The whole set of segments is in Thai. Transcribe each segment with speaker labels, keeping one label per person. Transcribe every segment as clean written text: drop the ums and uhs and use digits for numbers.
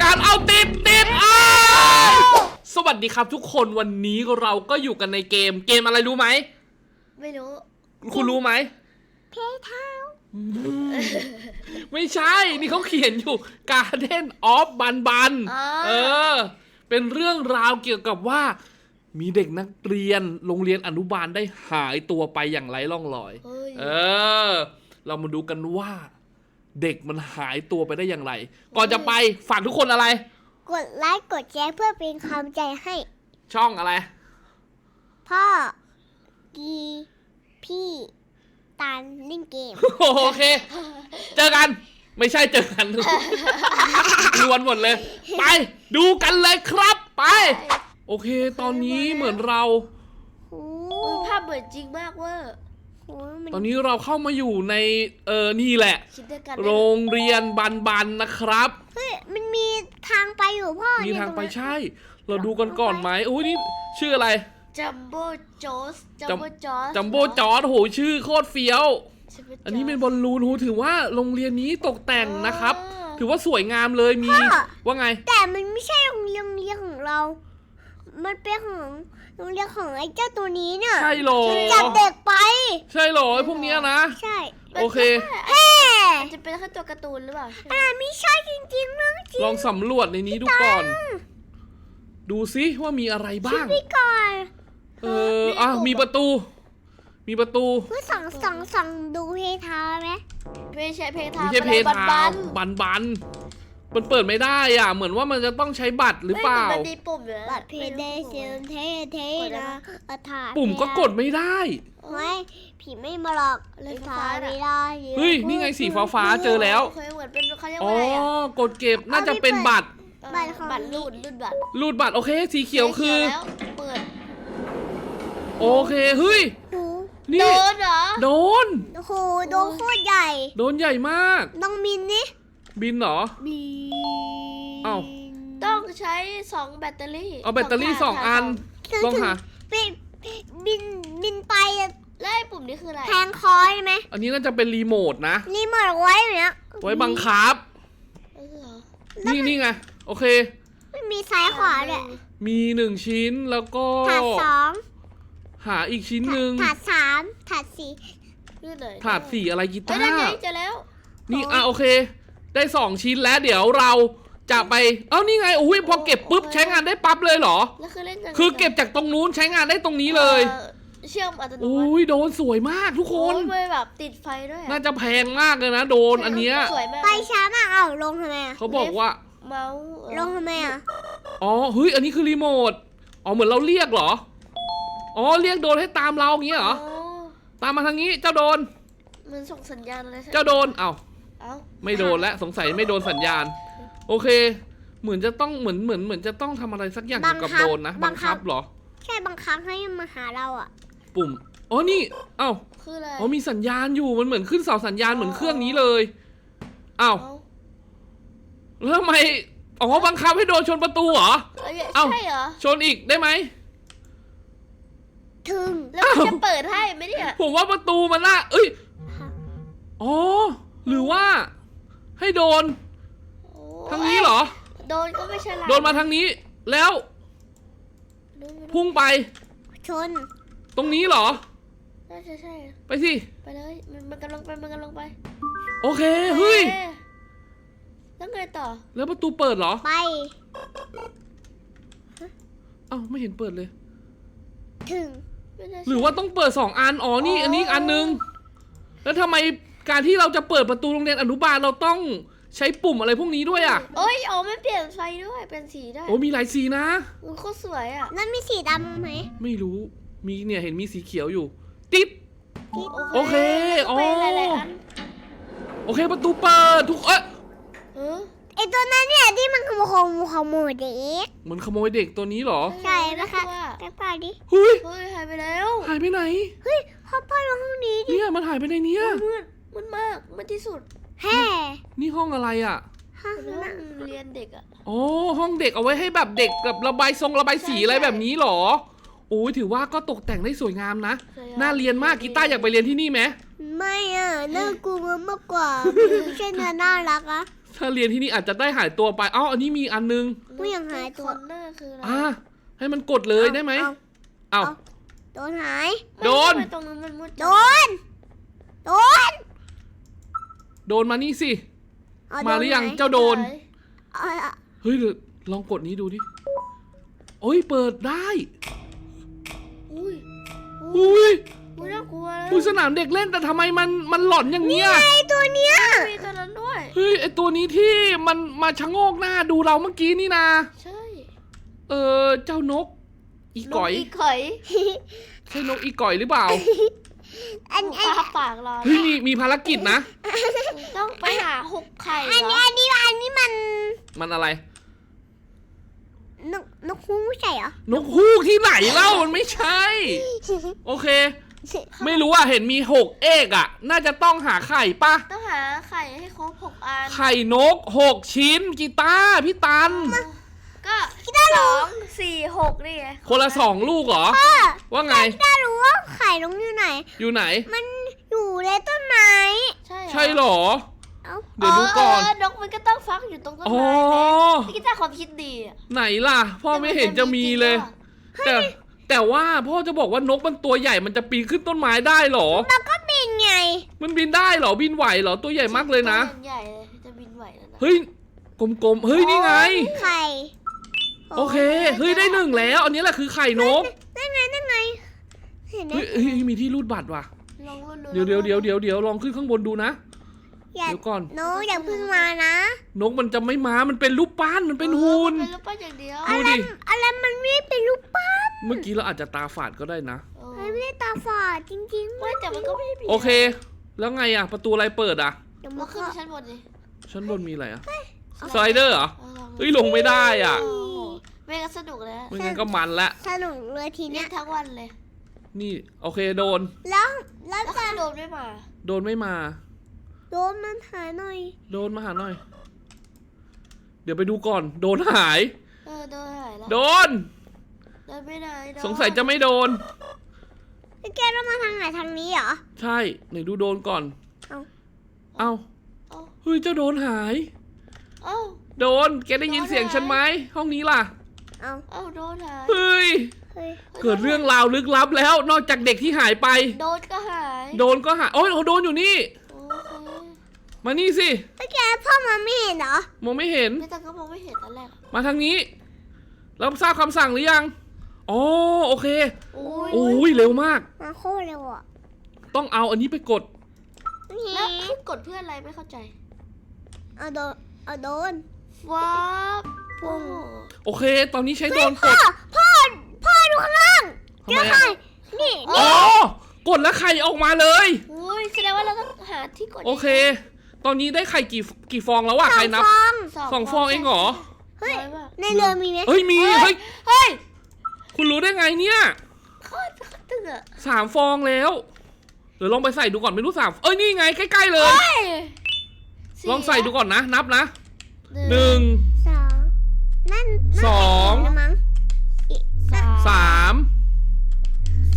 Speaker 1: การเอาติดสวัสดีครับทุกคนวันนี้เราก็อยู่กันในเกมอะไรรู้ไหม
Speaker 2: ไม่รู้
Speaker 1: คุณรู้ไหม
Speaker 2: เพเท้า
Speaker 1: ไม่ใช่นี่เขาเขียนอยู่ Garden of บันเป็นเรื่องราวเกี่ยวกับว่ามีเด็กนักเรียนโรงเรียนอนุบาลได้หายตัวไปอย่างไร้ร่องรอยเรามาดูกันว่าเด็กมันหายตัวไปได้อย่างไรก่อนจะไปฝากทุกคนอะไร
Speaker 2: กดไลค์กดแชร์เพื่อเป็นกำลังใจให้
Speaker 1: ช่องอะไร
Speaker 2: พ่อกีพี่ตาลเล่นเกม
Speaker 1: โอเคเจอกันไม่ใช่เจอกันรวนหมดเลยไปดูกันเลยครับไปโอเคตอนนี้เหมือนเรา
Speaker 2: ภาพเหมือนจริงมากเว้ย
Speaker 1: ตอนนี้เราเข้ามาอยู่ในนี่แหละโรงเรียนบันนะครับ
Speaker 2: เฮ้ยมันมีทางไปอยู่พ่อ
Speaker 1: มีทางไปใช่เราดูกันก่อนไหมโอ้ยนี่ชื่ออะไร
Speaker 2: จัมโบ้จอส
Speaker 1: จัมโบ้จอสโหชื่อโคตรเฟี้ยวอันนี้เป็นบอลลูนถือว่าโรงเรียนนี้ตกแต่งนะครับถือว่าสวยงามเลยมีว่าไง
Speaker 2: แต่มันไม่ใช่โรงเรียนของเรามันเป็นของโรงเรียนของไอ้เจ้าตัวนี้เนี่ย
Speaker 1: ใช่หรอ
Speaker 2: จับเด็กไป
Speaker 1: ใช่หรอไอ้พวกเนี้ยนะ
Speaker 2: ใช่
Speaker 1: โอเค
Speaker 2: มันจะเป็นแค่ตัวการ์ตูนหรือเปล่าไม่ใช่จริงๆนะจริง
Speaker 1: ลองสำรวจในนี้ดูก่อนดูซิว่ามีอะไรบ้าง
Speaker 2: ก่อน
Speaker 1: มีประตู
Speaker 2: เพื่อส่องดูเพทาไหมไม่ใช่เพทา
Speaker 1: ไม่ใช่เพทาบันมันเปิดไม่ได้อ่ะเหมือนว่ามันจะต้องใช้บัตรหรือเปล่า
Speaker 2: มันมีปุ่มอยู่บัตรเพเดเซลเทนะ
Speaker 1: ปุ่มก็กดไม่ได้
Speaker 2: ไม่ผีไม่มาหรอกเลยฟ้าไม่ได้
Speaker 1: เฮ้ยนี่ไงสีฟ้าเจอแล้ว
Speaker 2: เหมือนเป็นเขาเรียก
Speaker 1: ว่าอะไรกดเก็บน่าจะเป็นบัตรรูดบัตรโอเคสีเขียวคือ
Speaker 2: เปิด
Speaker 1: โอเคเฮ้ย
Speaker 2: โดนเหรอ
Speaker 1: โดน
Speaker 2: โอ้โหโดนโคตรใหญ่
Speaker 1: โดนใหญ่มาก
Speaker 2: ต้องบินนี่
Speaker 1: บินเหรอเอ้า
Speaker 2: ต้องใช้2แบตเตอรี่
Speaker 1: เอาแบตเตอรี่2อันลองหา
Speaker 2: บินไปแล้วไอ้ปุ่มนี้คืออะไรแทงคอใช่ไหม
Speaker 1: อันนี้น่าจะเป็นรีโมทนะ
Speaker 2: รีโมทไว้อย่างเงี้ย
Speaker 1: ไว้บังคับนี่ไงโอเค
Speaker 2: ไม่มีซ้ายขวาเลย
Speaker 1: มี1ชิ้นแล้วก็
Speaker 2: ถาด2
Speaker 1: หาอีกชิ้นหนึ่ง
Speaker 2: ถาด3ถาด4
Speaker 1: ถาด4อะไรกีตาร์
Speaker 2: เจอแล้ว
Speaker 1: นี่โอเคได้2ชิ้นแล้วเดี๋ยวเราจะไปนี่ไงอุ้ยพอเก็บปุ๊บใช้งานได้ปั๊บเลยเหรอคือเก็บจากตรงนู้นใช้งานได้ตรงนี้เลย
Speaker 2: เชื่อมอัตโนมัติ
Speaker 1: อุ้ยโดนสวยมากทุกคน
Speaker 2: แบบติดไฟด้วย
Speaker 1: น่าจะแพงมากเลยนะโดนอันเนี้ย
Speaker 2: ไปช้ามากลงทำไม
Speaker 1: เขาบอกว่า
Speaker 2: เมาส์ลงทำไม
Speaker 1: เฮ้ยอันนี้คือรีโมทเหมือนเราเรียกเหรอเรียกโดนให้ตามเราอย่างเงี้ยเหรอตามมาทางนี้เจ้าโดน
Speaker 2: มันส่งสัญญาณอะไร
Speaker 1: เจ้าโดนไม่โดนแล้วสงสัยไม่โดนสัญญาณโอเคเหมือนจะต้องเหมือนจะต้องทำอะไรสักอย่างเกี่ยวกับโดนนะบังคับเหรอ
Speaker 2: ใช่บังคับให้มาหาเรา
Speaker 1: ปุ่มนี่
Speaker 2: คืออะไร
Speaker 1: มีสัญญาณอยู่มันเหมือนขึ้นเสาสัญญาณเหมือนเครื่องนี้เลยแล้วทำไมบังคับให้โดนชนประตูเหรอ
Speaker 2: ใช่เหรอ
Speaker 1: ชนอีกได้ไหม
Speaker 2: ถึงแล้วจะเปิดให้ไหมเนี่ย
Speaker 1: ผมว่าประตูมันละหรือว่าให้โดนทางนี้เหรอ
Speaker 2: โดนก็ไม่ใช่
Speaker 1: โดนมาทางนี้แล้วพุ่งไป
Speaker 2: ชน
Speaker 1: ตรงนี้เหรอ
Speaker 2: ใช่
Speaker 1: ไปสิ
Speaker 2: ไปเลยมันกำลังไป
Speaker 1: โอเคเฮ้ย
Speaker 2: แล้วไงต่อ
Speaker 1: แล้วประตูเปิดเหรอ
Speaker 2: ไป
Speaker 1: ไม่เห็นเปิดเลย
Speaker 2: ถึง
Speaker 1: หรือว่าต้องเปิด2อันนี่อันนี้อันนึงแล้วทำไมการที่เราจะเปิดประตูโรงเรียนอนุบาลเราต้องใช้ปุ่มอะไรพวกนี้ด้วย
Speaker 2: ไม่เปลี่ยนไฟด้วยเป็นสีได้
Speaker 1: มีหลายสีนะ
Speaker 2: มันโคตรสวยนั่นมีสีดำไหม
Speaker 1: ไม่รู้มีเนี่ยเห็นมีสีเขียวอยู่ติ๊บโอเคโอเคประตูเปิดทุก
Speaker 2: ไอตัวนั้นเนี่ยที่มันขโมยเด็ก
Speaker 1: มันขโมยเด็กตัวนี้เหรอ
Speaker 2: ใช่ไหมคะแกไปดิ
Speaker 1: เฮ้ย
Speaker 2: หายไปแล้ว
Speaker 1: หายไปไหน
Speaker 2: เฮ้ยเข้าไปห้องนี้ดิ
Speaker 1: เนี่ยมันหายไปในนี้
Speaker 2: มืดมากมันที่สุด
Speaker 1: นี่ห้องอะไร
Speaker 2: ห้องเรียนเด็ก
Speaker 1: ห้องเด็กเอาไว้ให้แบบเด็กกับระบายสีอะไรแบบนี้เหรอถือว่าก็ตกแต่งได้สวยงามนะน่าเรียนมากกีตาร์อยากไปเรียนที่นี่ไหม
Speaker 2: ไม่น่ากลัวมากกว่าไม่ใช่น่ารัก
Speaker 1: ถ้าเรียนที่นี่อาจจะได้หายตัวไปเอ้าอันนี้มีอันนึง
Speaker 2: ผู้ยังหายตัว
Speaker 3: คอนเนอร์คืออะไร
Speaker 1: ให้มันกดเลยได้ไหม
Speaker 2: เอา
Speaker 1: เอ้า
Speaker 2: โดนหาย
Speaker 1: โดน
Speaker 3: ทำไมตรงนั้นมันมืด
Speaker 2: โดน โดน
Speaker 1: โดนมานี่สิ
Speaker 2: เอ
Speaker 1: มาหรือยัง
Speaker 2: โนไหน
Speaker 1: เจ้าโดน
Speaker 2: เอาเอา
Speaker 1: เฮ้ยเดี๋ยวลองกดนี้ดูดิโอ้ยเปิดได้
Speaker 3: อุ้ย
Speaker 1: อุ้ย
Speaker 3: อุ้ยน่ากลัวเลย
Speaker 1: อุ้ยสนามเด็กเล่นแต่ทำไมมันหลอนอย่างเนี้ย
Speaker 2: ไอตัวเนี้ย
Speaker 3: มีตัวนั้นด้วย
Speaker 1: เฮ้ยไอตัวนี้ที่มันมาชะโงกหน้าดูเราเมื่อกี้นี่นะ
Speaker 3: ใช่
Speaker 1: เจ้านก อีก่อย
Speaker 3: นกอีก่อย
Speaker 1: ใช่นกอีก่อยหรือเปล่า
Speaker 2: อัน
Speaker 3: ปาปากรอ
Speaker 1: เฮ้ยมีภารกิจนะ
Speaker 3: ต้องไปหาหกไข่
Speaker 2: อัน
Speaker 3: เหร
Speaker 2: นี้
Speaker 3: อ
Speaker 2: อันนี้อันนี้มัน
Speaker 1: มันอะไร
Speaker 2: นกฮูกไม่ใช่เหรอ
Speaker 1: นกฮูกที่ไหนเล่ามันไม่ใช่ โอเค ไม่รู้อ่ะเห็นมี6เอกอ่ะ น่าจะต้องหาไข่ปะ
Speaker 3: ต้องหาไข่ให้ครบ6 อัน
Speaker 1: ไข่นก6ชิ้นกีตาร์พี่ตัน
Speaker 3: ก็2 4 6นี่ไง
Speaker 1: คนละ2ลูกเหรอ ว่าไง
Speaker 2: ถ้ารู้ว่าไข่นกอยู่ไหน
Speaker 1: อยู่ไหน
Speaker 2: มันอยู่ในต้นไม้
Speaker 3: ใช่
Speaker 1: ใช่เหรอ
Speaker 2: เอ้า
Speaker 1: เดี๋ยวดูก่อน
Speaker 3: นกมันก็ต้องฟักอยู่ตรงต้น
Speaker 1: อ๋อ
Speaker 3: ไม้พี่กีตาร์ความคิดดีอะ
Speaker 1: ไหนล่ะ พ่อไม่เห็นจะมีเลย แต่ว่าพ่อจะบอกว่านกมันตัวใหญ่มันจะปีนขึ้นต้นไม้ได้เหรอ
Speaker 2: แล้วก็บินไง
Speaker 1: มันบินได้เหรอ บินไหวเหรอ ตัวใหญ่มากเลยนะ
Speaker 3: ตัวใหญ่เลยจะบินไหวแล้วนะ
Speaker 1: เฮ้ย กลมๆ เฮ้ย นี่ไง
Speaker 2: ไข่
Speaker 1: โอเค เฮ้ย ได้1แล้ว อันนี้แหละคือไข่นก
Speaker 2: นั่นไงนั่นไงเห็นไหม
Speaker 1: เฮ้ยมีที่รูดบัตรว่ะ
Speaker 3: ลองลุ้นๆ
Speaker 1: เดี๋ยวลองขึ้นข้างบนดูนะ
Speaker 2: อย่า
Speaker 1: เดี๋ยวก่อน
Speaker 2: โนอย่าเพึ่งมานะ
Speaker 1: นกมันจะไม่มา มันเป็นรูปปั้น มันเป็นหุ่น
Speaker 3: เป็นรูปปั้นอย่างเดียว
Speaker 1: ดูดิ
Speaker 2: อะไรมันไม่เป็นรูปปั้น
Speaker 1: เมื่อกี้เราอาจจะตาฝาดก็ได้นะ
Speaker 2: มันไม่ได้ตาฝาดจริงๆ
Speaker 3: ไม่แต่มันก็ไม่ได้ผิด
Speaker 1: โอเค แล้วไงอะประตูอะไรเปิดอะ
Speaker 2: เดี๋ยว
Speaker 3: เรา
Speaker 2: มัน
Speaker 3: ขึ้น
Speaker 2: ก็
Speaker 3: ไปชั้นบนดิ
Speaker 1: ชั้นบนมีอะไรอะสไลเดอร์เหรอ
Speaker 3: ลอง
Speaker 1: เฮ้ยลงไม่ได้อะ
Speaker 3: โอ้โหไม่งั้นสนุกเลยนะ
Speaker 1: ไม่งั้นก็มันละ
Speaker 2: สนุกเลยที
Speaker 3: เล่
Speaker 2: เนี้
Speaker 3: น
Speaker 2: ย
Speaker 3: ทั้งวันเลย
Speaker 1: นี่โอเคโดน
Speaker 2: แล้ว
Speaker 3: แล้ว
Speaker 2: จะ
Speaker 3: คือโดนไม่มา
Speaker 1: โดนไม่มา
Speaker 2: โดนมันหายหน่อย
Speaker 1: โดนมาหาหน่อย เดี๋ยวไปดูก่อน โดนหาย
Speaker 3: โดนหายแล้ว
Speaker 1: โดน
Speaker 3: โดนไม่ได้โดน
Speaker 1: สงสัยจะไม่โดน
Speaker 2: แล้วแกต้องมาทางไหนทางนี้เหรอ
Speaker 1: ใช่ ไหนดูโดนก่อน
Speaker 2: เอ้า
Speaker 1: เอ้า
Speaker 3: เอ้า
Speaker 1: เฮ้ยเจ้าโดนหาย
Speaker 3: เอ้า
Speaker 1: โดน แกได้ยินเสียงฉันไหม ห้องนี้ล่ะ
Speaker 2: เอา
Speaker 3: เอ้าโดนหาย
Speaker 1: เฮ้ย
Speaker 2: เฮ้ย
Speaker 1: เกิดเรื่องราวลึกลับแล้ว นอกจากเด็กที่หายไป
Speaker 3: โดนก็หาย
Speaker 1: โดนก็หาย โอ้ยโดนอยู่นี่
Speaker 3: โอเค
Speaker 1: มานี่สิ
Speaker 2: แล้วแกพ่อมาไม่เห็นเหรอ
Speaker 1: มองไม่เห็น
Speaker 3: ไม่ต้องก็มองไม่เห็นตอนแรกอะ
Speaker 1: มาทางนี้รับทราบคำสั่งหรือยัง อ๋อโอเค
Speaker 3: โอ้ย
Speaker 1: โอ้ยเร็วมาก
Speaker 2: มาโคตรเร็วอ่ะ
Speaker 1: ต้องเอาอันนี้ไปกด
Speaker 3: แล้วคือกดเพื่ออะไรไม่เข้าใจ
Speaker 2: เอาโดน เอาโดน
Speaker 3: ว้าบ
Speaker 2: พุ่ง
Speaker 1: โอเค ตอนนี้ใช้โดนก
Speaker 2: พ่อ
Speaker 1: ด
Speaker 2: พ่อดูข้างล่าง
Speaker 1: ทำไม
Speaker 2: ไข่
Speaker 1: อ่ะ
Speaker 2: นี่
Speaker 1: อ๋อ กดแล้วไข่ออกมาเลย
Speaker 3: อุ้ยแสดงว่าเราต้องหาที่กด
Speaker 1: โอเค ตอนนี้ได้ไข่กี่ฟองแล้ววะ
Speaker 2: สอ
Speaker 1: ใครง นับ
Speaker 2: ฟอง
Speaker 1: สองฟองเองเหรอ
Speaker 2: เฮ้ย
Speaker 3: น้อมาก
Speaker 2: ในเรือมีไหม
Speaker 1: เฮ้ยมี เฮ้ย
Speaker 3: เฮ้ย
Speaker 1: คุณรู้ได้ไงเนี่ย
Speaker 3: โคตรตึงอะ
Speaker 1: 3 ฟองแล้ว เดี๋ยวลองไปใส่ดูก่อนไม่รู้3เอ้ยนี่ไงใกล้ๆเลย
Speaker 3: เฮ้ย
Speaker 1: ลองใส่ดูก่อนนะ นับนะ
Speaker 3: หนึ่ง
Speaker 1: 1
Speaker 2: สองนั่น
Speaker 1: สอง
Speaker 2: นั่นมั้ง
Speaker 1: 3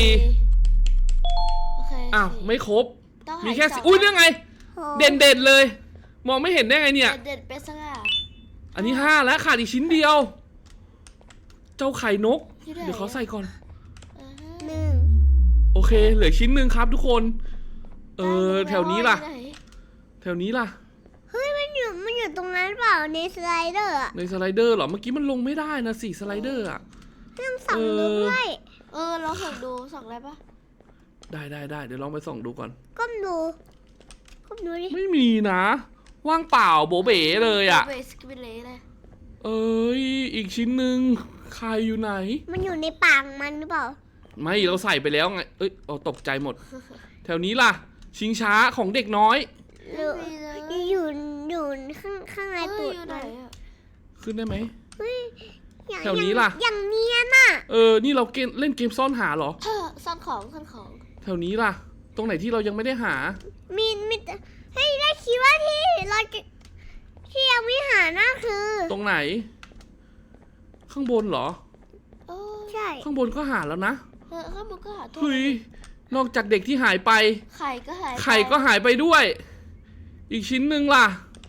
Speaker 1: 4
Speaker 3: โอเค
Speaker 1: อ้าวไม่ครบ
Speaker 3: ต้องหา
Speaker 1: มีแค่
Speaker 3: สง
Speaker 1: อุ้ยเนี่ยไง
Speaker 2: โอ้
Speaker 1: เด่นเลย มองไม่เห็นได้ไงเนี่ย
Speaker 3: เด็ดเป็นสง่า
Speaker 1: อันนี้5แล้วขาดอีกชิ้นเดียว เจ้าไข่นก
Speaker 3: อยู่ไหน
Speaker 1: เดี๋ยวเขาใส่ก่อน
Speaker 3: อ่าฮะ
Speaker 2: หนึ่ง
Speaker 1: โอเค เหลือชิ้นหนึ่งครับทุกคน แถวนี้ล่ะ
Speaker 3: อยู่ไหน
Speaker 1: แถวนี้ล่ะ
Speaker 2: เฮ้ยมันอยู่ตรงนั้นเปล่าในสไลเดอร์อะ
Speaker 1: ในสไลเดอร์เหรอ เมื่อกี้มันลงไม่ได้นะ4สไลเดอร์อ่ะ
Speaker 2: ต้องส่องดูด้วย
Speaker 3: ลองส่องดูส่องได้ปะ
Speaker 1: ได้เดี๋ยวลองไปส่องดูก่อน
Speaker 2: ก้มดูดิ
Speaker 1: ไม่มีนะ ว่างเปล่าโบเบ๋เลยอ่ะ
Speaker 3: เบสกิบิเล่เลย
Speaker 1: เอ้ย อีกชิ้นหนึ่งใครอยู่ไหน
Speaker 2: มันอยู่ในปากมันหรือเปล่า
Speaker 1: ไม่เราใส่ไปแล้วไง เอ้ยเอาตกใจหมด แถวนี้ล่ะ ชิงช้าของเด็กน้อย
Speaker 2: หรือ
Speaker 3: ไม่มีเลย
Speaker 2: อยู่ข้างใน
Speaker 3: เฮ้
Speaker 2: ตู
Speaker 3: ย
Speaker 2: ด
Speaker 3: อยู่ไหน
Speaker 2: มัน
Speaker 3: อะ
Speaker 1: ขึ้นได้ไหม
Speaker 2: เฮ้ยอย่าง
Speaker 1: แถวนี้ล่ะ
Speaker 2: อย่างเนียนน่ะ
Speaker 1: นี่เราเล่นเกมซ่อนหาเหรอ
Speaker 3: ซ่อนของ
Speaker 1: แถวนี้ล่ะ ตรงไหนที่เรายังไม่ได้หา
Speaker 2: มีแต่เฮ้ยได้คิดว่าเราจะที่ยังไม่หาน่าคือ
Speaker 1: ตรงไหน ข้างบนเหรอ
Speaker 2: ใช่
Speaker 1: ข้างบนก็หาแล้วนะ
Speaker 3: ข้างบนก็หาตัว
Speaker 1: เฮ้ย นอกจากเด็กที่หายไป
Speaker 3: ไข่ก็หายไป
Speaker 1: ไข่ก็หายไปด้วย อีกชิ้นหนึ่งล่ะ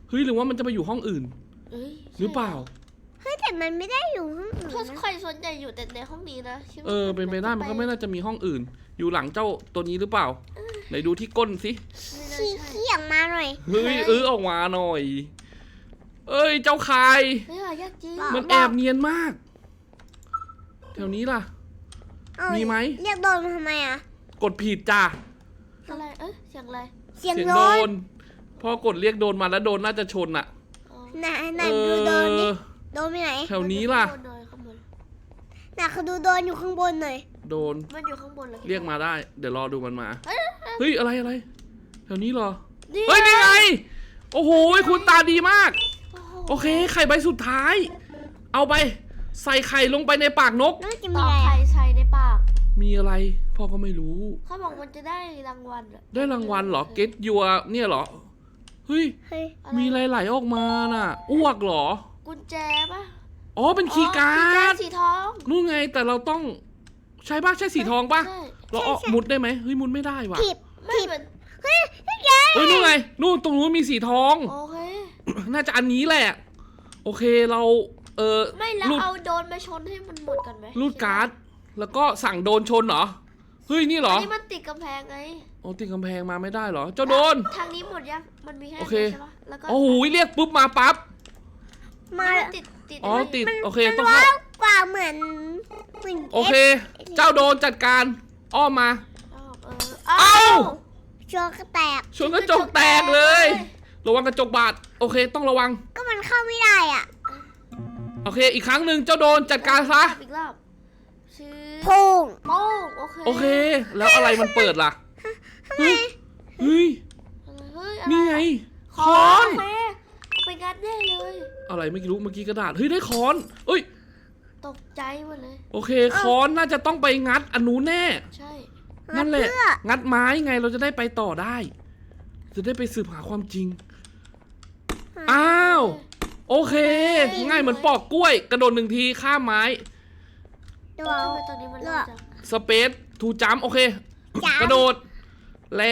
Speaker 1: เฮ้ยหรือว่ามันจะไปอยู่ห้องอื่น
Speaker 3: เอ้ย
Speaker 1: หรือเปล่า
Speaker 2: เฮ้ยแต่มันไม่ได้อยู่ห้องอื่น
Speaker 3: เพราะ
Speaker 2: นะ
Speaker 3: ใครส่วนใหญ่อยู่แต่ในห้องนี้นะคิดว่า
Speaker 1: เป็นไปได้มันก็ไม่น่าจะมีห้องอื่น อยู่หลังเจ้าตัวนี้หรือเปล่าไหนดูที่ก้นสิ
Speaker 3: ไม่น่า
Speaker 2: ขี้
Speaker 3: ใช่
Speaker 2: ขี้ออกมาหน่อย
Speaker 1: เฮ้ยออกมาหน่อย เอ้ยเจ้าคาย
Speaker 3: เฮ้ยยากจริง
Speaker 1: มันแอบเนียนมาก แถวนี้ล่ะ
Speaker 2: เอ้ย
Speaker 1: มีไหม
Speaker 2: เรียกโดนทำไมอ่ะ
Speaker 1: กดผิดจ้า
Speaker 3: อะไรเสียงอะไร
Speaker 2: เสียง
Speaker 1: เสียง
Speaker 2: โด
Speaker 1: โด
Speaker 2: น
Speaker 1: นพ่อกดเรียกโดนมาแล้วโดนน่าจะชนอะ
Speaker 3: อ๋อ
Speaker 2: ไหนดูโดนนี่โดนไปไหน
Speaker 1: แถวนี้ล่ะ
Speaker 3: ข้างบนเลยข้างบน
Speaker 2: น่ะคือดูโดนอยู่ข้างบนหน่อย
Speaker 1: โดน
Speaker 3: มันอยู่ข้างบนเลย
Speaker 1: เรียกมาได้ เดี๋ยวรอดูมันมา
Speaker 3: เฮ้ย
Speaker 1: เฮ้ยอะไรแถวนี้เหรอ
Speaker 3: นี่
Speaker 1: เฮ้ยนี่ไง โอ้โหคุณตาดีมาก
Speaker 3: โอ้โห
Speaker 1: โอเค ไข่ใบสุดท้าย เอาไป ใส่ไข่ลงไปในปากนก
Speaker 2: น่าจะ
Speaker 3: ต่
Speaker 2: มี
Speaker 3: อ
Speaker 2: อะไร
Speaker 3: ไข่
Speaker 2: อะ
Speaker 3: ใส่ในปาก
Speaker 1: มีอะไร พ่อก็ไม่รู้
Speaker 3: เขาบอกมันจะได้รางวัลอะ
Speaker 1: ได้รางวัลเหรอ เก็ตยัวเนี่ยเหรอ เฮ้ย
Speaker 2: เฮ้ย
Speaker 1: มีอะไรไหลออกมาน่ะ อ้วกเหรอ
Speaker 3: กุญแจปะ
Speaker 1: อ๋อ เป็นคีย์กา
Speaker 3: คีย์
Speaker 1: ร์ด
Speaker 3: สีทอง
Speaker 1: นู่นไง แต่เราต้อง ใช่ป่ะ ใช่สีทองป่ะ
Speaker 3: ใช่
Speaker 1: เราเอามุดได้ไหมเฮ้ย มุดไม่ได้ว่ะ
Speaker 2: ถีบ
Speaker 3: ไม่เหมือน
Speaker 2: เฮ้ยแก
Speaker 1: เฮ้ย นู่นไง นู่นตรงนู้นมีสีทอง
Speaker 3: โอเค
Speaker 1: น่าจะอันนี้แหละ โอเค เรา
Speaker 3: ไม่แล้ว
Speaker 1: รูด
Speaker 3: เอาโดนไปชนให้มันหมดกันไหม
Speaker 1: รูดการ์ด แล้วก็สั่งโดนชนเหรอ เฮ้ย นี่เหร
Speaker 3: อั
Speaker 1: อ
Speaker 3: นนี้มันติดกำแพงไง
Speaker 1: โอ้ติดกำแพงมาไม่ได้เหรอ เจ้าโดน
Speaker 3: ทางนี้หมดยังมันมีแค่
Speaker 1: โอเค
Speaker 3: นี้ใช่ปะแล้วก็
Speaker 1: โอ้โหเรียกปุ๊บมาปั๊บ
Speaker 2: มา
Speaker 3: มันติด
Speaker 1: อ๋อ
Speaker 3: ไว้
Speaker 1: ติด โอเค
Speaker 2: มัน
Speaker 1: ต้อง
Speaker 2: ว้า
Speaker 1: เข้าว
Speaker 2: กว่าเหมือน
Speaker 1: โอเค เจ้าโดนจัดการ อ้อมมา
Speaker 3: เอ้า
Speaker 1: เอ้า
Speaker 2: โชว์ก็แตก
Speaker 1: ชนกระจกแตกเลย ระวังกระจกบาด โอเค ต้องระวัง
Speaker 2: ก็มันเข้าไม่ได้อ่ะ
Speaker 1: โอเค อีกครั้งหนึ่งเจ้าโดนจัดการซะ
Speaker 3: อีกรอบชื่อ
Speaker 2: พุ่ง
Speaker 3: โป้งโอเค
Speaker 1: โอเค แล้วอะไรมันเปิดล่ะ เฮ้ย เฮ้ย
Speaker 3: เฮ้ย
Speaker 1: นี่ไง
Speaker 3: ค
Speaker 1: ค้
Speaker 3: อ
Speaker 1: อน
Speaker 3: นไปงัดแน่เลย
Speaker 1: อะไรไม่รู้เมื่อกี้กระดาษ เฮ้ย ได้ค้อน เอ้ย
Speaker 3: ตกใจหมดเลย
Speaker 1: โอเค ค้อนน่าจะต้องไปงัดอันนู้นแน่
Speaker 3: ใช่
Speaker 1: นั่นแหละ
Speaker 2: เพื่อ
Speaker 1: งัดไม้ไงเราจะได้ไปต่อได้ จะได้ไปสืบหาความจริง อ้าว โอเค ง่ายเหมือนปอกกล้วย กระโดด1 ทีข้ามไม้
Speaker 2: ดู
Speaker 3: ทำไมตอนนี้มันเริ่มจาก
Speaker 1: สเปซทูจัมโอเค
Speaker 2: จ๋าก
Speaker 1: ระโดด แล้ว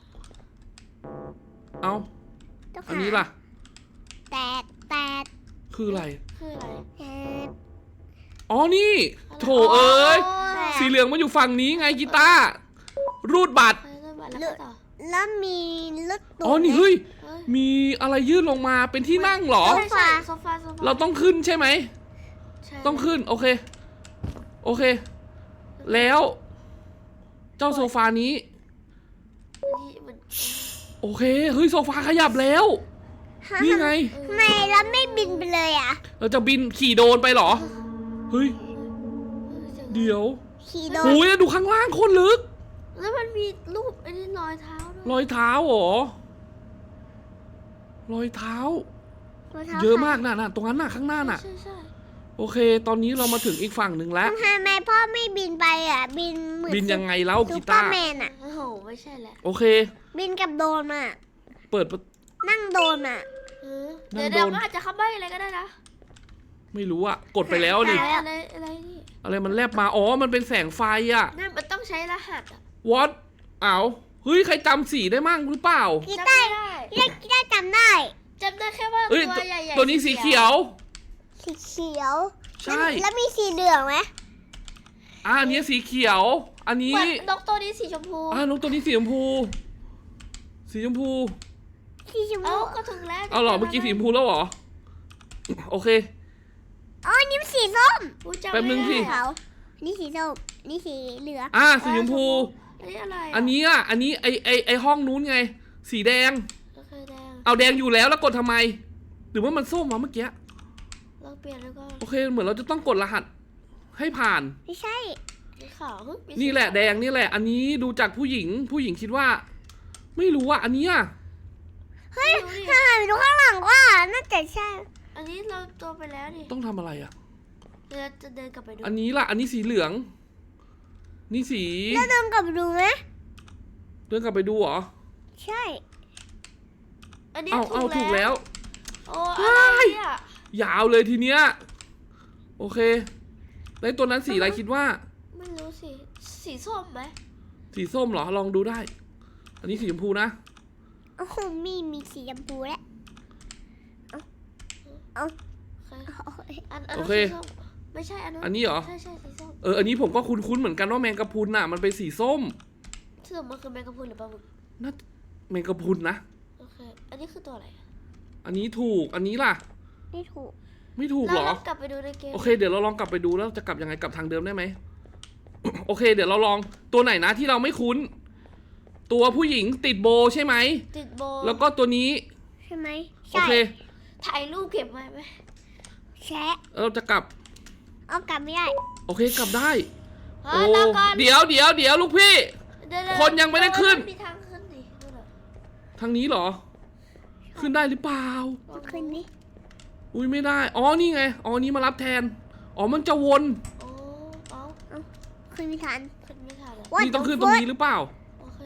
Speaker 1: เอา
Speaker 2: ต้อง
Speaker 1: อันนี้ล่ะ
Speaker 2: แตกแตก
Speaker 1: คืออะไร
Speaker 3: คืออะไร
Speaker 2: แตก
Speaker 1: อ๋อ นี่ โถเอ้ย
Speaker 3: โ
Speaker 1: สีเหลืองมันอยู่ฝั่งนี้ไงกีตาร์ รูดบัตร
Speaker 3: ไปเริ่มมาแล้วก็ต่อ
Speaker 2: แล้วมีรถตู้
Speaker 1: อ๋อ นี่เฮ้ย
Speaker 3: เฮ้ย
Speaker 1: มีอะไรยื่นลงมาเป็นที่นั่งเหรอ
Speaker 3: ใช่ใช่โซฟา
Speaker 1: เราต้องขึ้นใช่ไหม
Speaker 3: ใช่
Speaker 1: ต้องขึ้น โอเค โอเค แล้ว เจ้าโซฟานี้
Speaker 3: นี่มัน
Speaker 1: โอเค เฮ้ย โซฟาขยับแล้ว นี่ไง
Speaker 2: ทำไมแล้วไม่บินไปเลยอ่ะ
Speaker 1: เราจะบินขี่โดรนไปเหรอ เฮ้ย เดี๋ยว
Speaker 2: ขี่โด
Speaker 1: โอ้
Speaker 2: น
Speaker 1: ยดูข้างล่างโคตรลึก
Speaker 3: แล้วมันมีรูปไอ้นี่รอยเท้าด้วย
Speaker 1: รอยเท้าเหรอ รอยเท้า
Speaker 2: รองท้
Speaker 1: เยอะมากน่ะตรงนั้นน่ะข้างหน้าน่ะ
Speaker 3: ใช่ใช่
Speaker 1: โอเค ตอนนี้เรามาถึงอีกฝั่งหนึ่งแล้ว
Speaker 2: ทำไมพ่อไม่บินไปอ่ะ บินเหมือน
Speaker 1: บินยังไงแล้ว
Speaker 2: ซู
Speaker 1: กี
Speaker 2: เปอ
Speaker 1: ตา
Speaker 2: ร์
Speaker 1: ร์
Speaker 2: แมนอ่ะ
Speaker 3: โอ้โหไม่ใช่แหละ
Speaker 1: โอเค
Speaker 2: บินกับโดรนอ่ะ
Speaker 1: เปิดประ
Speaker 2: นั่งโดรนอ่ะ
Speaker 3: เดี๋ยว
Speaker 1: นั่งโดน
Speaker 3: มันอาจจะเข้าบ้านอะไรก็ได้นะ
Speaker 1: ไม่รู้อะกดไปแล้วดิ
Speaker 3: อะไรนี่
Speaker 1: อะไรมันแลบมา อ๋อ มันเป็นแสงไฟอะ
Speaker 3: นั่นมันต้องใช้รหัสอ่ะ
Speaker 1: what อ้าวเฮ้ย ใครจำสีได้มั่งหรือเปล่า
Speaker 2: กี
Speaker 3: จำ
Speaker 2: ตา
Speaker 3: ไม่
Speaker 2: ร์
Speaker 3: ได้
Speaker 2: กีตาร์จำได้
Speaker 3: จำได้แค่ว่า
Speaker 1: เอ้ย
Speaker 3: ตัวใหญ่ๆ
Speaker 1: ตัวนี้สีเขียว
Speaker 2: สีเขียว
Speaker 1: ใช่
Speaker 2: แล้วมีสีเหลืองไหม
Speaker 1: อันนี้สีเขียว อันนี้
Speaker 3: เหมือนนกตัวนี้สีชมพู
Speaker 1: นกตัวนี้สีชมพู สีชมพู
Speaker 2: สีชม
Speaker 3: เอ้า
Speaker 2: พู
Speaker 3: ก็ถึงแล้ว
Speaker 1: เอาเหรอ เมื่อกี้สีชมพูแล้วเหรอ โอเค
Speaker 2: อ๋อนี่มันสีส้ม
Speaker 3: อุ๊ยจำ
Speaker 1: แป๊บนึงสิ
Speaker 3: ไม่ได้
Speaker 2: เขานี่สีส้มนี่สีเหลือง
Speaker 1: สีชมพู
Speaker 3: อันนี้อะไร
Speaker 1: อันนี้อันนี้ไอห้องนู้นไง สีแดง
Speaker 3: โอเคแดง
Speaker 1: เอาแดงอยู่แล้วกดทำไม หรือว่ามันส้มวะเมื่อกี้
Speaker 3: เราเปลี่ยนแล้วก็
Speaker 1: โอเค เหมือนเราจะต้องกดรหัส ให้ผ่าน
Speaker 2: ไม่ใช่
Speaker 3: สีขาวเฮ้ยมีสี
Speaker 1: นี่แหละแดงนี่แหละ อันนี้ดูจากผู้หญิงคิดว่า ไม่รู้อ่ะ อันนี้อ่ะ
Speaker 2: เฮ้ย
Speaker 3: ไม่รู้ดิ
Speaker 2: ถ้าหันไปดูข้างหลังว่าน่าจะใช่
Speaker 3: อันนี้เราตัวไปแล้วนี่
Speaker 1: ต้องทำอะไรอ่ะ
Speaker 3: เราจะเดินกลับไปดู
Speaker 1: อันนี้ล่ะ อันนี้สีเหลือง นี่สี
Speaker 2: แล้วเดินกลับไปดูไหม
Speaker 1: เดินกลับไปดูเหรอ
Speaker 2: ใช่
Speaker 3: อันนี้
Speaker 1: เอาถูกแล้ว
Speaker 3: โอ้อะไรเนี่ย
Speaker 1: ยาวเลยทีเนี้ย โอเค แล้วตัวนั้นสีอะไรคิดว่า
Speaker 3: ไม่รู้สิสีส้มไหม
Speaker 1: สีส้มเหรอ ลองดูได้ อันนี้สีชมพูนะ
Speaker 2: โอ้โหมีสีชมพูแล้วเอา
Speaker 3: โอเคอัน
Speaker 1: โอเค
Speaker 3: สีส้มไม่ใช่อันนั้น
Speaker 1: อันนี้เหรอ
Speaker 3: ใช่สีส้ม
Speaker 1: อันนี้ผมก็คุ้นๆเหมือนกันว่าแมงกะพรุนน่ะมันเป็นสีส้ม
Speaker 3: ซึ่งมันคือแมงกะพรุนหรือปลาหมึก
Speaker 1: น่าแมงกะพรุนนะ
Speaker 3: โอเคอันนี้คือตัวอะไร
Speaker 1: อันนี้ถูกอันนี้ล่ะ
Speaker 2: ไม่ถูก
Speaker 1: ไม่ถูกเหรอ
Speaker 3: เรากลับไปดูในเกม
Speaker 1: โอเคเดี๋ยวเราลองกลับไปดูแล้วจะกลับยังไงกลับทางเดิมได้ไหม โอเค เดี๋ยวเราลองตัวไหนนะที่เราไม่คุ้น ตัวผู้หญิงติดโบใช่ไหม
Speaker 3: ติดโบ
Speaker 1: แล้วก็ตัวนี้
Speaker 2: ใช่ไหม
Speaker 1: โอเค
Speaker 3: ถ่ายรูปเก็บไว้ไหม
Speaker 2: แชะ
Speaker 1: เราจะกลับ
Speaker 2: เอากลับไม่ได้
Speaker 1: โอเคกลับได้
Speaker 3: เฮ้ยรอก่อน
Speaker 1: เดี๋ยวลูกพี่
Speaker 3: เดี๋ยว
Speaker 1: คนยังไม่ได้ขึ้น
Speaker 3: มีทางขึ้นดินู่นน่ะ
Speaker 1: ทางนี้เหรอ ขึ้นได้หรือเปล่า
Speaker 2: เอาขึ้นนี่
Speaker 1: อุ้ยไม่ได้ อ๋อนี่ไง อ๋อนี่มารับแทน อ๋อมันจะวน
Speaker 3: โอ้เอา
Speaker 2: ขึ้นไม่ทัน
Speaker 3: ขึ้นไม่ทันเลย
Speaker 1: นี่ต้องขึ้นตรงนี้หรือเปล่า
Speaker 3: โอเค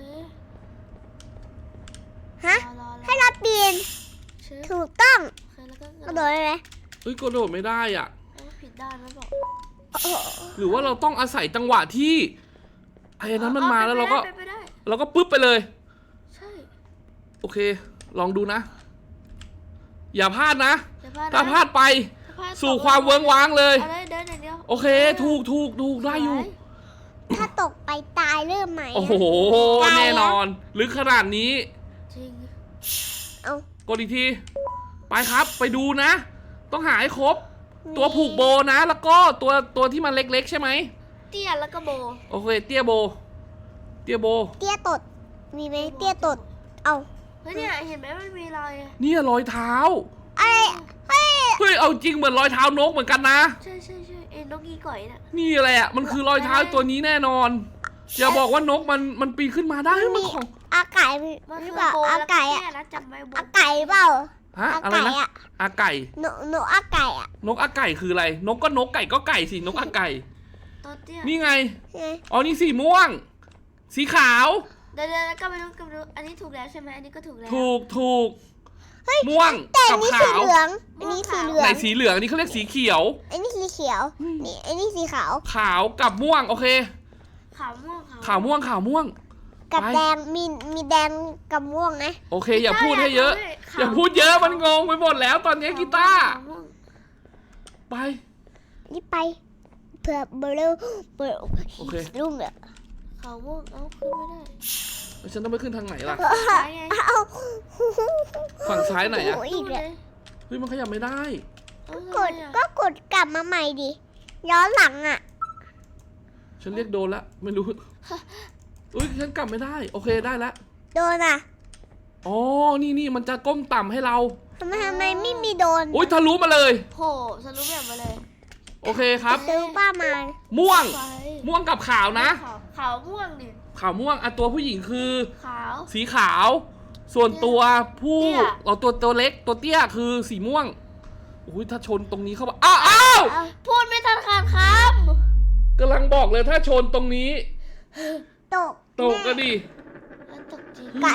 Speaker 2: ฮะ
Speaker 3: รอ
Speaker 2: ให้เราเปลี่ยน
Speaker 3: ชื่อ
Speaker 2: ถูกต้อง
Speaker 3: โอเคแล้วก็
Speaker 2: กระโดดเลยไหม
Speaker 1: เฮ้ยกระโดดไม่ได้อ่ะ
Speaker 3: ผิดด้านแล้วบอก
Speaker 1: หรือว่าเราต้องอาศัยจังหวะที่ไอ้นั้นมันมาแล้วเราก็
Speaker 3: ไปได้
Speaker 1: เราก็ปึ๊บไปเลย
Speaker 3: ใช่
Speaker 1: โอเค ลองดูนะ อย่าพลาดนะ
Speaker 3: อย่พลาดนะ
Speaker 1: ถ้าพลาดไป
Speaker 3: ถ้าพลด
Speaker 1: สู่ความเวิ้งว้างเลย
Speaker 3: อะไรเดินอย่างเดียว
Speaker 1: โอเค ถูกได้อยู่
Speaker 2: ถ้าตกไปตายเริ่มใหม่
Speaker 1: โอ้โห
Speaker 2: ตายแล้ว
Speaker 1: แน่นอนลึกขนาดนี้
Speaker 3: จริง
Speaker 2: เอา
Speaker 1: กดอีกที ไปครับ ไปดูนะ ต้องหาให้ครบ ตัวผูกโบนะ แล้วก็ตัวที่มันเล็กๆใช่ไหม
Speaker 3: เตี้ยแล้วก็โบ
Speaker 1: โอเค เตี้ยโบ เตี้ยโบ
Speaker 2: เตี้ยตด มีไหมเตี้ยตด เอา
Speaker 3: เฮ้ยเนี่ยเห็นไหมมันมีรอยอะ
Speaker 1: เนี่ยรอยเท้า
Speaker 2: อะไรเฮ้ย
Speaker 1: เฮ้ย เอาจริงเหมือนรอยเท้านกเหมือนกันนะ
Speaker 3: ใช่เอ็นนกอีก่อยน่ะ
Speaker 1: นี่แหละ มันคือรอยเท้าตัวนี้แน่นอน อย่าบอกว่านกมันปีนขึ้นมาได้มันของ
Speaker 2: อาไก่
Speaker 3: มัน
Speaker 2: หรื
Speaker 3: คือ อ
Speaker 2: เปล่า
Speaker 3: โบ
Speaker 2: อา
Speaker 3: แล้วก็
Speaker 2: ไก่
Speaker 3: เตี้
Speaker 2: อะ
Speaker 3: ยนะจำไว้โบ
Speaker 2: อาไก่เปล่า
Speaker 1: ฮะ
Speaker 2: อา
Speaker 1: อะไร
Speaker 2: ไก่
Speaker 1: นะ
Speaker 2: อะ
Speaker 1: อาไก่
Speaker 2: หนูอาไก่อะ
Speaker 1: นกอาไก่คืออะไร นกก็นกไก่ก็ไก่สิ นกอาไก่
Speaker 3: ตัวเตี้ย
Speaker 1: นี่ไง
Speaker 2: ใช่ไหม
Speaker 1: อ๋อ นี่สีม่วง สีขาว
Speaker 3: เดี๋ยวก็ไปดูอันนี้ถูกแล้วใช่ไหมอันนี้ก็ถูกแล้ว
Speaker 1: ถูก ม่วง
Speaker 2: แต่อั
Speaker 1: กัน บ
Speaker 2: นี้
Speaker 1: ขา
Speaker 2: สี
Speaker 1: ว
Speaker 2: เหลือง อันนี้สีเหลือ
Speaker 1: ไหน
Speaker 2: ง
Speaker 1: สีเหลืองอันนี้เขาเรียกสีเขียว
Speaker 2: อันนี้สีเขียว นี่อันนี้สีขาว
Speaker 1: ขาวกับม่วง โอเค
Speaker 3: ขาวม่วง
Speaker 1: ขาวม่วง
Speaker 2: กับ
Speaker 1: ไป
Speaker 2: แดง มีแดงกับม่วงนะ
Speaker 1: โอเค อย่าพูดให้เยอะ อย่าพูดเยอะ มันงงไปหมดแล้วตอนนี้กีตาร์
Speaker 3: ขวม่วง
Speaker 1: ไป
Speaker 2: นี่ไป เผื่อเบลล์เบล
Speaker 1: โอเค
Speaker 2: รุ่งอะ
Speaker 3: ขาวม่วงเอาขึ้นไม่ได้
Speaker 1: แล้วฉันต้องไปขึ้นทางไหนล่ะ
Speaker 3: ซ้ายไง
Speaker 2: เอา
Speaker 1: ฝั่งซ้ายไหนอะ
Speaker 2: โอีกเลย
Speaker 1: เฮ้ย มันขยับไม่ได้
Speaker 3: เอา
Speaker 2: กด
Speaker 3: ทำไมอะ
Speaker 2: ก็กดกลับมาใหม่ดิ ย้อนหลังอะ
Speaker 1: ฉันเรียกโดนละไม่รู้อุ้ยฉันกลับไม่ได้ โอเคได้แล้ว
Speaker 2: โดนอะ
Speaker 1: อ๋อ นี่มันจะก้มต่ำให้เรา
Speaker 2: ทำไมไม่มีโดน
Speaker 1: อุ้ยทะลุมาเลย
Speaker 3: โหฉันรู้แบบมาเลย
Speaker 1: โอเคครับ
Speaker 2: ซื้อป้ามา
Speaker 1: ม่วง
Speaker 3: ไฟ
Speaker 1: ม่วงกับขาวนะ
Speaker 3: ขาวม่วงดิ
Speaker 1: ขาวม่วงอ่ะตัวผู้หญิงคือ
Speaker 3: ขาว
Speaker 1: สีขาว ส่วนตัวผู้
Speaker 3: เตี้ย
Speaker 1: เอาตัวเล็กตัวเตี้ยคือสีม่วงอุ้ยถ้าชนตรงนี้เข้ามาอ้าวอ้าว
Speaker 3: พูดไม่ทันขาดค
Speaker 1: กำลังบอกเลยถ้าชนตรงนี้
Speaker 2: ตก
Speaker 1: ตกก็ดี
Speaker 3: ำแล้วตกจริง
Speaker 2: ไก่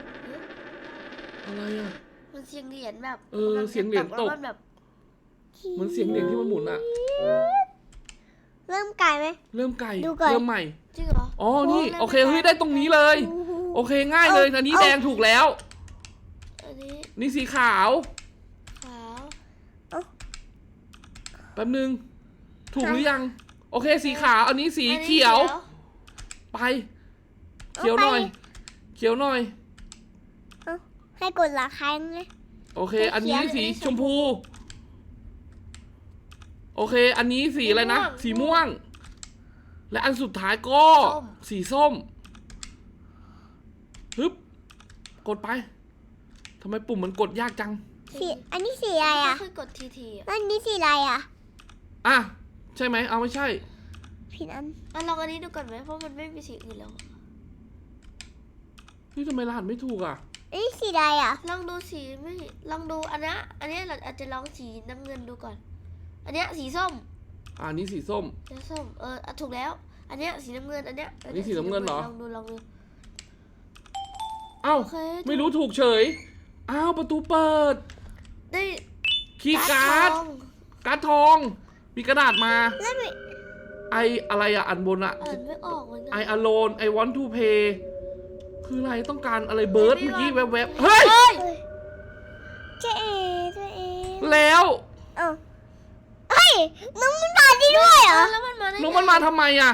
Speaker 1: อะไรอ่ะ
Speaker 3: มันเสียงเหรียญแบบ
Speaker 1: เออเสียงเหรียญตก
Speaker 3: แล้วมันแบบ
Speaker 1: เหมือนเสียงเหรียญที่มันหมุนอ่ะ
Speaker 2: เริ่มไก่ไหม
Speaker 1: เริ่มไกล
Speaker 2: ดูก่อน
Speaker 1: เริ่มใหม่
Speaker 3: จริงเหรอ
Speaker 1: อ๋อนี่
Speaker 3: ล่
Speaker 1: โอเคเฮ้ยได้ตรงนี้เลย โอเคง่ายเลยอันนี้แดงถูกแล้ว
Speaker 3: อันนี้
Speaker 1: นี่สีขาว
Speaker 3: ขาว
Speaker 1: แป๊บนึง ถูกหรือยัง โอเคสีขาวอันนี้สีเขียว ไป เขียวหน่อย เขียวหน่อย
Speaker 2: ให้กดหลังครั้งนะ
Speaker 1: โอเค อันนี้สีชมพู โอเค อันนี้สีอะไรนะ สีม่วง และอันสุดท้ายก็สีส้มฮึบกดไปทำไมปุ่มมันกดยากจัง
Speaker 2: สีอันนี้สีอะไร
Speaker 3: ไม่
Speaker 2: อะ
Speaker 3: เคยกดทีอ่ะ
Speaker 2: แล้วอันนี้สีอะไรอะ
Speaker 1: อ่ะ ใช่ไหมเอาไม่ใช่
Speaker 2: ผิดอัน
Speaker 3: ลองอันนี้ดูก่อนไหมเพราะมันไม่มีสีอื่นแล้ว
Speaker 1: นี่ทำไมรหัสไม่ถูกอ่ะ
Speaker 2: อันนี้สีอะไรอะ
Speaker 3: ลองดูสีไม่ลองดูอันนี้เราอาจจะลองสีน้ำเงินดูก่อน อันเนี้ยสีส้ม
Speaker 1: อันนี้สีส้ม
Speaker 3: สีส้มถูกแล้ว อันเนี้ยสีน้ำเงินอันเนี้ย
Speaker 1: อันนี้สีน้ำเงินเหรอ
Speaker 3: ลองดู
Speaker 1: เอ้า
Speaker 3: โอเค
Speaker 1: ไม่รู้ถูกเฉย อ้าว ประตูเปิด
Speaker 3: ได้
Speaker 1: คีย์การ์ด
Speaker 3: ทอง
Speaker 1: การ์ดทอง มีกระดาษมา
Speaker 2: แล้วมี
Speaker 1: ไออะไรอะอันบนอะ
Speaker 3: อ่านไม่ออกเหมือนกั
Speaker 1: I alone I want to pay คืออะไรต้องการอะไรเบิร์ด
Speaker 3: ไม่
Speaker 1: เมื่อกี้
Speaker 3: ว่า
Speaker 1: แวบๆเฮ้ย
Speaker 3: เฮ้ย
Speaker 2: เจ๊เอ๋เจ๊เอ๋
Speaker 1: รแล้ว
Speaker 2: เอ้าเฮ้ยน้องมันมาได้ด้วยเหรอ
Speaker 3: แล้วมันมาได้ไง
Speaker 1: น้องมันมาทำไมอ่ะ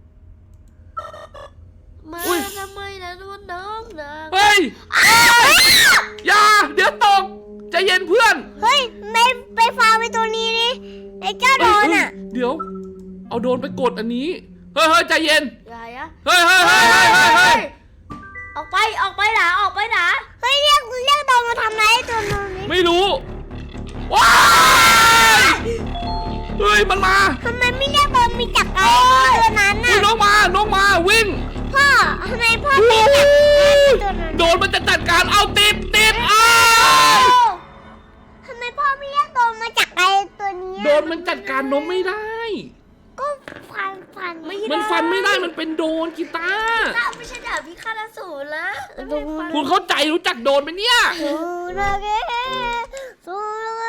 Speaker 3: มา
Speaker 1: อุ๊ย
Speaker 3: ทำไมนะน้องนะ
Speaker 1: เฮ้ยอย่าเดี๋ยวตกใจเย็นเพื่อน
Speaker 2: เฮ้ยไปฟาไปตัวนี้ดิไอ้เจ้าโดนอ่ะ
Speaker 1: เดี๋ยว เอาโดนไปกดอันนี้ เฮ้ยใจเย็น
Speaker 3: อย่าอะ
Speaker 1: เฮ้ย
Speaker 3: ออกไปหนาออกไปหนา
Speaker 2: เฮ้ยเรียกโดนมาทำไรไอ้ตัวนี้
Speaker 1: ไม่รู้ ว้ายเฮ้ยมันมา
Speaker 2: ทำไมไม่เรียกโดนมีจักรไอ้ตัวนั้น
Speaker 1: อุ้
Speaker 2: น่ะ
Speaker 1: ยน้องมาวิ่ง
Speaker 2: พ่อทำไมพ่อ
Speaker 1: โอ้
Speaker 2: ไม่จับ
Speaker 1: ย
Speaker 2: ตัวนั้น
Speaker 1: โดนมันจะจัดการเอาติดอ้าย
Speaker 2: ทำไมพ่อไม่เรียกโดนมาจักรไอ้ตัวนี้
Speaker 1: โดนมันจัดการน้องไม่ได้
Speaker 2: ก็ฟัน
Speaker 1: มันฟันไม่ได้มันเป็นโดนกีตาร์
Speaker 3: ถ้าไม่ใช่ดาบพิฆาตอสูรนะแล้วไม่ฟัน
Speaker 1: คุณเข้าใจรู้จักโดนไหมเนี่ย
Speaker 2: สู้นะแกสู้นะ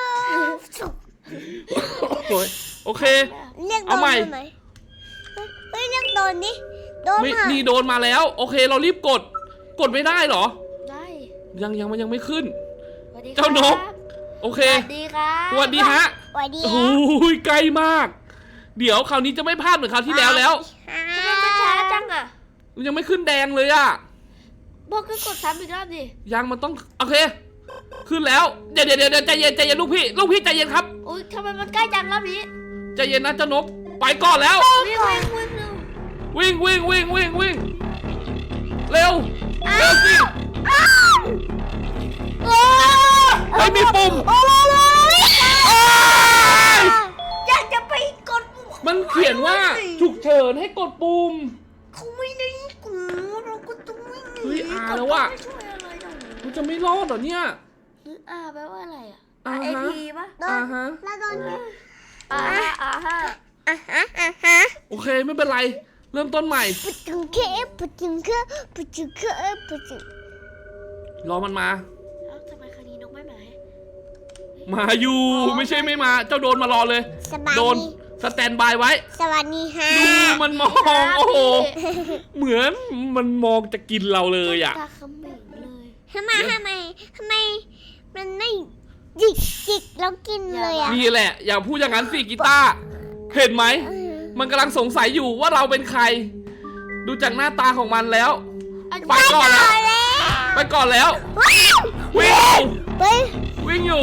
Speaker 1: โอเค
Speaker 2: เรียกโด
Speaker 1: เอา
Speaker 2: น
Speaker 1: ใหม่
Speaker 2: ได้ไหมเฮ้ยเรียกโดนดิโดน
Speaker 1: ไม่
Speaker 2: อ่ะ
Speaker 1: นี่โดนมาแล้ว โอเคเรารีบกดไม่ได้เหรอ
Speaker 3: ได้
Speaker 1: มันยังไม่ขึ้น
Speaker 3: สวัสดีครับ
Speaker 1: เจ้านก โอเค
Speaker 3: สวัสดีครับ
Speaker 1: สวัสดีฮะ
Speaker 2: สวัสดี
Speaker 1: โอ้ยใกล้มาก เดี๋ยวคราวนี้จะไม่พลาดเหมือนคราวที่แล้ว
Speaker 3: ทำไมมันช้าจังอ่ะ
Speaker 1: ยังไม่ขึ้นแดงเลยอะ
Speaker 3: บอกก็กดซ้ำอีกรอบดิ
Speaker 1: ยังมันต้องโอเค ขึ้นแล้วเดี๋ยวใจเย็นลูกพี่ใจเย็นครับ
Speaker 3: อุ้ยทำไมมันใกล้จังรอบนี้
Speaker 1: ใจเย็นนะเจ้านกไปก่อนแล้ว
Speaker 3: วิ่งเร็ว
Speaker 1: วิ่งเร็วสิ
Speaker 2: โอ้
Speaker 1: ไม่มีปุ่ม
Speaker 2: โอ้ย
Speaker 3: อยากจะไปกด
Speaker 1: มันเขียนว่าฉุกเฉินให้กดปุ่ม
Speaker 3: เขาไม่ได้กูเราก็ต้องวิ่งหนี
Speaker 1: เฮ้ยอาแล้วว่ะ
Speaker 3: ไม่ช่วยอะไรหรอก
Speaker 1: มันจะไม่รอดเหรอเนี่ย
Speaker 3: หรืออาแปลว่าอะไรอ่ะ
Speaker 1: อ่าฮะ
Speaker 3: ไอพีปะ
Speaker 2: โด
Speaker 1: อ่าน ฮะ
Speaker 2: แล้วโดน
Speaker 3: อ่าฮะ
Speaker 2: อ่ะฮะ
Speaker 1: โอเคไม่เป็นไรเริ่มต้นใหม่
Speaker 2: ปุจึงเคปุจึงเคปุจึงเคปุจึง
Speaker 1: รอมันมา
Speaker 3: เอ้าทำไมคราวนี้นกไม่มาให้
Speaker 1: มาอยู่ไม่ใช่ไม่มาเจ้าโดนมารอเลย
Speaker 2: สบาย
Speaker 1: โดน
Speaker 2: ดี
Speaker 1: สแตนบายไว้
Speaker 2: สวัสดีฮะ
Speaker 1: ดูมันมองโอ้โหเหมือนมันมองจะกินเราเลยอ่ะ
Speaker 3: ตาเขมิงเลย
Speaker 2: ทำไมมันไม่จิกแล้วกินเลยอ่ะ
Speaker 1: นี่แหละ อย่าพูดอย่างนั้นสิกีตาร์เห็นไหม มันกำลังสงสัยอยู่ว่าเราเป็นใคร ดูจากหน้าตาของมันแล้ว ไปก่อนแล้ว ไปก่อนแล้ว วิ่ง
Speaker 2: เฮ้ย
Speaker 1: วิ่งอยู่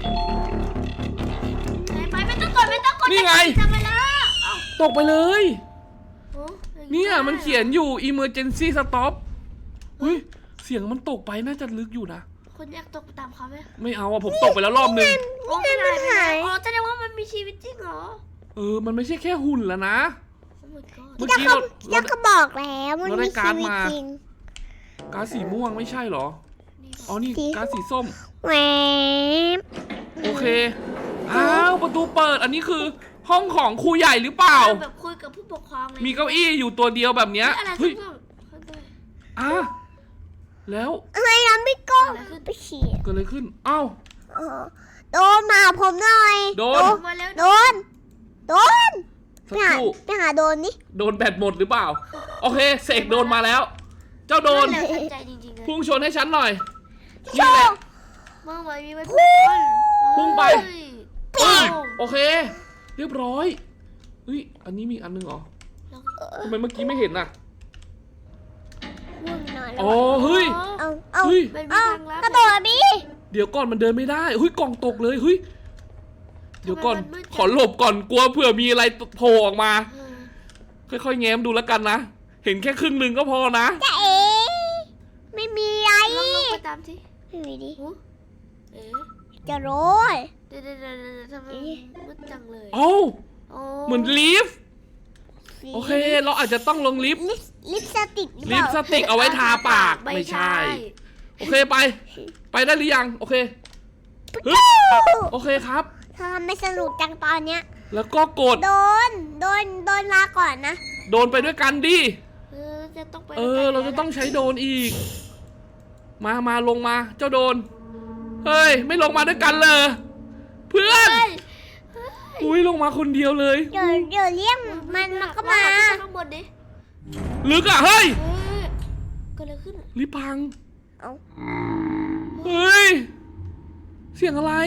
Speaker 3: ไปไม่ต้องกด
Speaker 1: นี่ไง
Speaker 3: ทำไมล่ะเอ้า
Speaker 1: ตกไปเลย
Speaker 3: โอ้
Speaker 1: เนี่ยมันเขียนอยู่ emergency stop เฮ้ยเสียงมันตกไปน่าจะลึกอยู่นะ
Speaker 3: คนอยากตกตามเขาไหม
Speaker 1: ไม่เอาอะผมตกไปแล้วรอบนึง
Speaker 3: โอ้ไม่ได้ไม่ได้อ๋อแสดงว่ามันมีชีวิตจริงเหรอ
Speaker 1: มันไม่ใช่แค่หุ่นแล้วนะ
Speaker 3: โอ้ my god
Speaker 1: เมื่อ
Speaker 2: เจ้า
Speaker 1: กี้
Speaker 2: เขา
Speaker 1: เรา
Speaker 2: เจ้าเขาบอกแล้วมัน
Speaker 1: เราได้
Speaker 2: มี
Speaker 1: การ์
Speaker 2: ชี
Speaker 1: ด
Speaker 2: วิต
Speaker 1: มา
Speaker 2: จริง
Speaker 1: ก๊าซสีม่วงไม่ใช่เหรอ
Speaker 3: นี่
Speaker 1: อ๋อนี่ก๊าซสีส้ม
Speaker 2: แหวบ
Speaker 1: โอเค อ้าวประตูเปิด อันนี้คือ ห้องของครูใหญ่หรือเปล่า
Speaker 3: แบบคุยกับผู้ปกครองเลย
Speaker 1: มีเก้าอี้อยู่ตัวเดียวแบบเนี้ย
Speaker 3: อะไร
Speaker 1: เฮ้ย
Speaker 3: ข้างนอก
Speaker 1: อ่ะแล้ว
Speaker 2: อะไรนะไม่ก็ไปฉี่
Speaker 1: เกิดอะไรขึ้นอ้าว
Speaker 2: เออโดนมาผมหน่อย
Speaker 1: โดน
Speaker 3: มาแล้ว
Speaker 2: โดนไป
Speaker 1: สัก
Speaker 2: หา
Speaker 1: ครู่
Speaker 2: ไปหาโดนนี่
Speaker 1: โดนแบตหมดหรือเปล่า โอเคเสกโดนมาแล้ว เจ้าโดน
Speaker 3: แล้วทันใจจริงๆเลย
Speaker 1: พุ่งชนให้ฉันหน่อย นี่แหละ
Speaker 3: เมื่อวานมีไว้
Speaker 1: พุ่งไป
Speaker 3: เฮ้ย
Speaker 1: โอเค เรียบร้อยเฮ้ยอันนี้มีอันนึงเหรอ
Speaker 3: แล้ว
Speaker 1: ทำไมเมื่อกี้ไม่เห็นน่ะ
Speaker 2: ง่วงนอนแล้ว
Speaker 1: อ๋อเฮ้ย
Speaker 2: เอา
Speaker 1: เฮ้ย
Speaker 3: มันมี
Speaker 2: เอา
Speaker 3: ทางลับ
Speaker 2: กระโดดดิ
Speaker 1: เดี๋ยวก่อนมันเดินไม่ได้เฮ้ยกล่องตกเลยเฮ้ยเดี๋ยวก่อน
Speaker 3: ทำไมมันมืดจัง
Speaker 1: ขอหลบก่อนกลัวเผื่อมีอะไรโผล่ออกมา
Speaker 3: เออ
Speaker 1: ค่อยๆแง้มดูแล้วกันนะ เห็นแค่ครึ่งหนึ่งก็พอนะ
Speaker 2: จะเอ๋ไม่มีอะไร
Speaker 3: ลองไปตามที่
Speaker 2: ไม่มีดิ
Speaker 3: หูเอ๊ะ
Speaker 2: จะโรย
Speaker 3: เดี๋ยวทำไมมืดจังเลย
Speaker 1: เอ้า
Speaker 3: โอ้
Speaker 1: เหมือนลิฟต์โอเค เราอาจจะต้องลงลิฟต์
Speaker 2: ลิปสติกหรือเป
Speaker 1: ลิป
Speaker 2: ล่า
Speaker 1: สติกเอาไว้ทาปากไม่ใช่ โอเคไปได้หรือยังโอเคฮึบโอเคครับ
Speaker 2: ทำไม่สนุกจังตอนเนี้ย
Speaker 1: แล้วก็กด
Speaker 2: โดนลาก่อนนะ
Speaker 1: โดนไปด้วยกันดิ
Speaker 3: จะต้องไป
Speaker 1: เราจะต้องใช้โดนอีก มาลงมาเจ้าโดนเฮ้ยไม่ลงมาด้วยกันเลยเพื่อน
Speaker 3: เฮ้ย
Speaker 1: อุ้ยลงมาคนเดียวเลย
Speaker 2: เดี๋ยวเรียกมันก็มา
Speaker 3: ข้างบนดิ
Speaker 1: ลึกอ่ะเฮ้ย
Speaker 3: เกิดอะไรขึ้น
Speaker 1: ลิฟต์พัง
Speaker 2: เอา
Speaker 1: เฮ้ยเสียงอะไร
Speaker 3: เ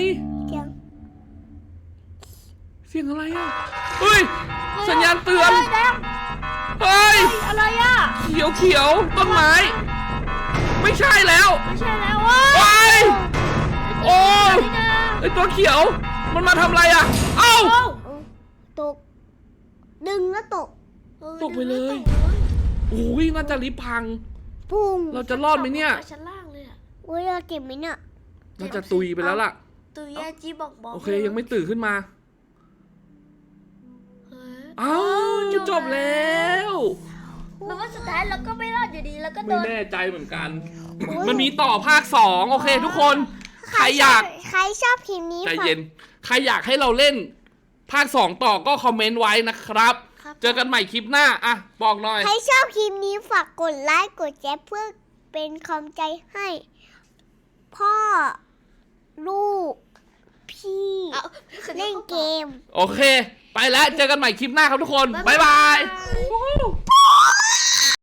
Speaker 2: เสียง
Speaker 1: เสียงอะไรอ่ะเฮ้ยสัญญาณเตือน
Speaker 3: แดง
Speaker 1: เฮ้ย
Speaker 3: อะไรอ่ะ
Speaker 1: เขียวเขียวต้นไม้ ไม่ใช่แล้ว
Speaker 3: ไม่ใช่แล้วว่ะ
Speaker 1: ไปโอ้ย
Speaker 3: นี่นะ
Speaker 1: ไอตัวเขียวมันมาทำอะไรอ่ะเอ้า
Speaker 3: เอ้า
Speaker 2: ตก ดึงแล้วตก
Speaker 1: ตกไปเลย โอ้ยน่าจะลิฟต์พัง
Speaker 2: พุ่ง
Speaker 1: เราจะรอดไหมเนี่ย
Speaker 3: ตกลงไปชั้นล่างเลยอ่ะ
Speaker 2: อุ้ยเราเก็บไหมเนี่ย
Speaker 1: น่าจะตุยไปแล้วล่ะ
Speaker 3: ตัวแย่จี้บอก
Speaker 1: โอเคยังไม่ตื่นขึ้นมา
Speaker 3: เฮ้ย
Speaker 1: เอ้าจบแล้ว
Speaker 3: แต่ว่าสุดท้ายเราก็ไม่รอดอยู่ดีแล้วก็โด
Speaker 1: ไม่
Speaker 3: น
Speaker 1: แน่ใจเหมือนกัน
Speaker 2: โอ้ย
Speaker 1: มันมีต่อภาค2โอเคทุกคน ใครอยาก
Speaker 2: ใครชอบคลิปนี้
Speaker 1: ใจ
Speaker 2: ฝาก
Speaker 1: เย็น ใครอยากให้เราเล่นภาค2ต่อก็คอมเมนต์ไว้นะครับ
Speaker 3: ครับ
Speaker 1: เจอกันใหม่คลิปหน้าอ่ะบอกหน่อย
Speaker 2: ใครชอบคลิปนี้ฝากกดไลค์กดแชร์เพื่อเป็นกำลังใจให้ พ่อ ลูก พี่
Speaker 3: เอา
Speaker 2: เล่นเกม
Speaker 1: โอเค ไปแล้วเจอกันใหม่คลิปหน้าครับทุกคน บ๊ายบาย
Speaker 3: บ๊ายบาย